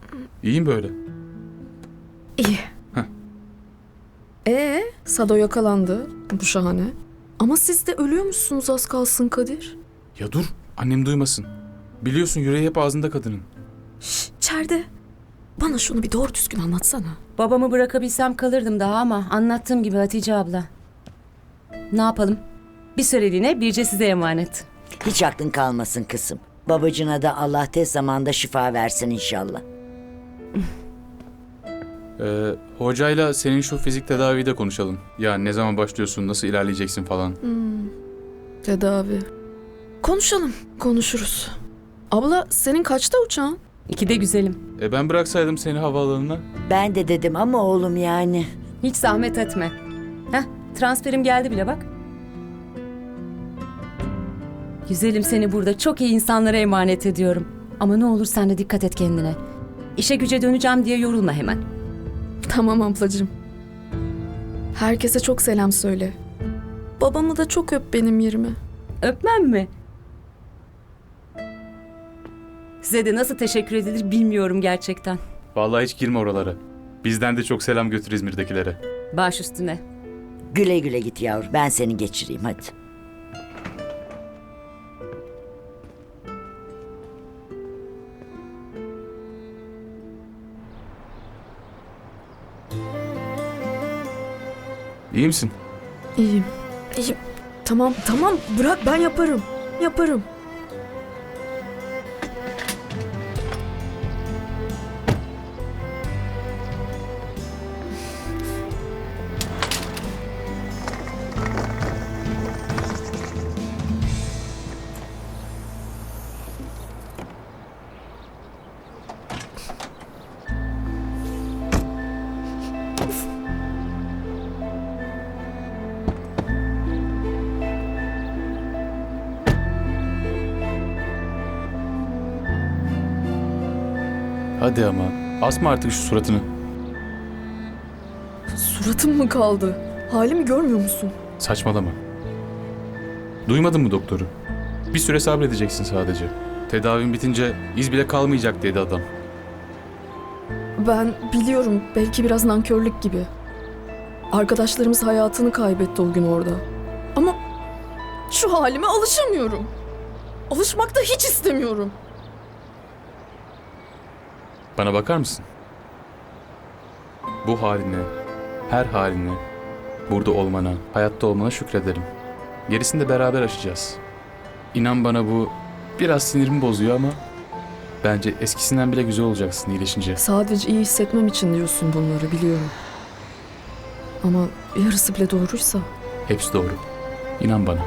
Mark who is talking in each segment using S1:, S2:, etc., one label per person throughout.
S1: İyiyim böyle.
S2: İyi.
S1: Heh.
S2: Sado yakalandı. Bu şahane. Ama siz de ölüyormuşsunuz az kalsın Kadir.
S1: Ya dur, annem duymasın. Biliyorsun yüreği hep ağzında kadının.
S2: İçeride. Bana şunu bir doğru düzgün anlatsana.
S3: Babamı bırakabilsem kalırdım daha ama anlattığım gibi Hatice abla. Ne yapalım? Bir süreliğine Birce size emanet.
S4: Hiç aklın kalmasın kızım. Babacına da Allah tez zamanda şifa versin inşallah.
S1: Hocayla senin şu fizik tedaviyi de konuşalım. Ya ne zaman başlıyorsun, nasıl ilerleyeceksin falan.
S2: Tedavi. Konuşalım. Konuşuruz. Abla senin kaçta uçağın?
S3: 2'de güzelim.
S1: Ben bıraksaydım seni havaalanına.
S4: Ben de dedim ama oğlum yani.
S3: Hiç zahmet etme. Heh, transferim geldi bile bak. Güzelim, seni burada çok iyi insanlara emanet ediyorum. Ama ne olur sen de dikkat et kendine. İşe güce döneceğim diye yorulma hemen.
S2: Tamam ablacığım. Herkese çok selam söyle. Babamı da çok öp benim yerime.
S3: Öpmem mi? Size de nasıl teşekkür edilir bilmiyorum gerçekten.
S1: Vallahi hiç girme oralara. Bizden de çok selam götür İzmir'dekilere.
S3: Baş üstüne.
S4: Güle güle git yavrum. Ben seni geçireyim hadi.
S1: İyi misin?
S2: İyiyim. İyiyim. Tamam tamam bırak ben yaparım. Yaparım.
S1: Hadi ama. Asma artık şu suratını.
S2: Suratım mı kaldı? Halimi görmüyor musun?
S1: Saçmalama. Duymadın mı doktoru? Bir süre sabredeceksin sadece. Tedavin bitince iz bile kalmayacak dedi adam.
S2: Ben biliyorum belki biraz nankörlük gibi. Arkadaşlarımız hayatını kaybetti o gün orada. Ama şu halime alışamıyorum. Alışmak da hiç istemiyorum.
S1: Bana bakar mısın? Bu haline, her haline, burada olmana, hayatta olmana şükrederim. Gerisini de beraber aşacağız. İnan bana bu biraz sinirimi bozuyor ama bence eskisinden bile güzel olacaksın iyileşince.
S2: Sadece iyi hissetmem için diyorsun bunları biliyorum. Ama yarısı bile doğruysa.
S1: Hepsi doğru. İnan bana.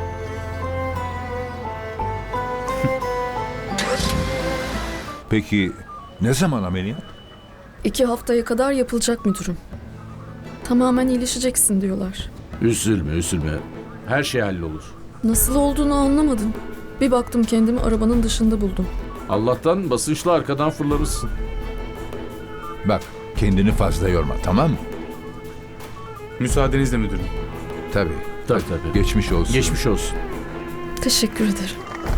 S5: Peki ne zaman ameliyat?
S2: 2 haftaya kadar yapılacak müdürüm. Tamamen iyileşeceksin diyorlar.
S6: Üzülme, üzülme. Her şey hallolur.
S2: Nasıl olduğunu anlamadım. Bir baktım kendimi arabanın dışında buldum.
S6: Allah'tan basınçlı arkadan fırlamışsın.
S5: Bak kendini fazla yorma, tamam mı?
S1: Müsaadenizle müdürüm.
S5: Tabii.
S6: Tabii.
S5: Geçmiş olsun.
S6: Geçmiş olsun.
S2: Teşekkür ederim.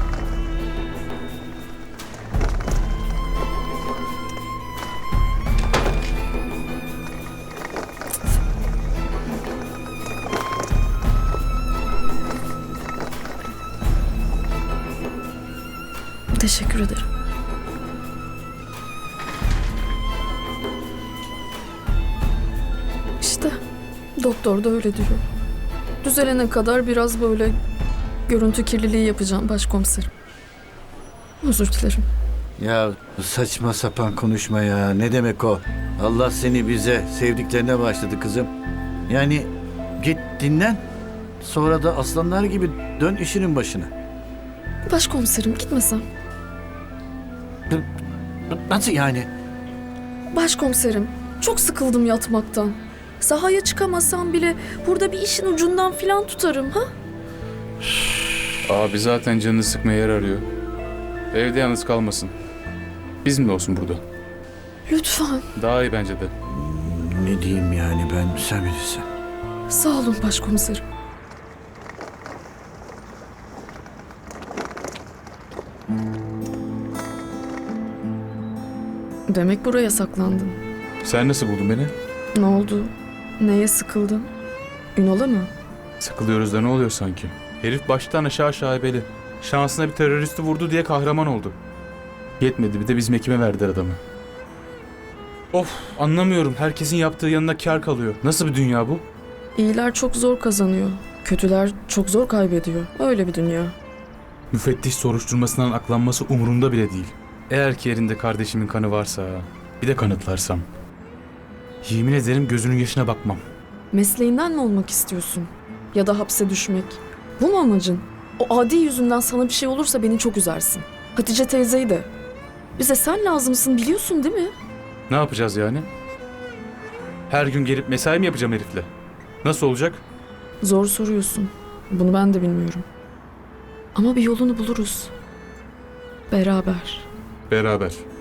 S2: Teşekkür ederim. İşte doktor da öyle diyor. Düzelene kadar biraz böyle görüntü kirliliği yapacağım başkomiserim. Özür dilerim.
S7: Ya saçma sapan konuşma ya. Ne demek o? Allah seni bize sevdiklerine başladı kızım. Yani git dinlen. Sonra da aslanlar gibi dön işinin başına.
S2: Başkomiserim gitmesem.
S7: Nasıl yani?
S2: Başkomiserim çok sıkıldım yatmaktan. Sahaya çıkamasam bile burada bir işin ucundan filan tutarım ha?
S1: Abi zaten canını sıkmaya yer arıyor. Evde yalnız kalmasın. Bizimle olsun burada.
S2: Lütfen.
S1: Daha iyi bence de.
S7: Ne diyeyim yani ben sen bilirsin.
S2: Sağ olun başkomiserim. Demek buraya saklandın.
S1: Sen nasıl buldun beni?
S2: Ne oldu? Neye sıkıldın? Ünal'a mı?
S1: Sıkılıyoruz da ne oluyor sanki? Herif baştan aşağı şaibeli. Şansına bir teröristi vurdu diye kahraman oldu. Yetmedi bir de bizim ekime verdiler adamı. Of, anlamıyorum. Herkesin yaptığı yanına kar kalıyor. Nasıl bir dünya bu?
S2: İyiler çok zor kazanıyor. Kötüler çok zor kaybediyor. Öyle bir dünya.
S1: Müfettiş soruşturmasından aklanması umurumda bile değil. Eğer ki yerinde kardeşimin kanı varsa, bir de kanıtlarsam. Yemin ederim gözünün yaşına bakmam.
S2: Mesleğinden mi olmak istiyorsun? Ya da hapse düşmek? Bu mu amacın? O adi yüzünden sana bir şey olursa beni çok üzersin. Hatice teyzeyi de. Bize sen lazımsın biliyorsun değil mi?
S1: Ne yapacağız yani? Her gün gelip mesai mi yapacağım herifle? Nasıl olacak?
S2: Zor soruyorsun. Bunu ben de bilmiyorum. Ama bir yolunu buluruz. Beraber.
S1: Beraber.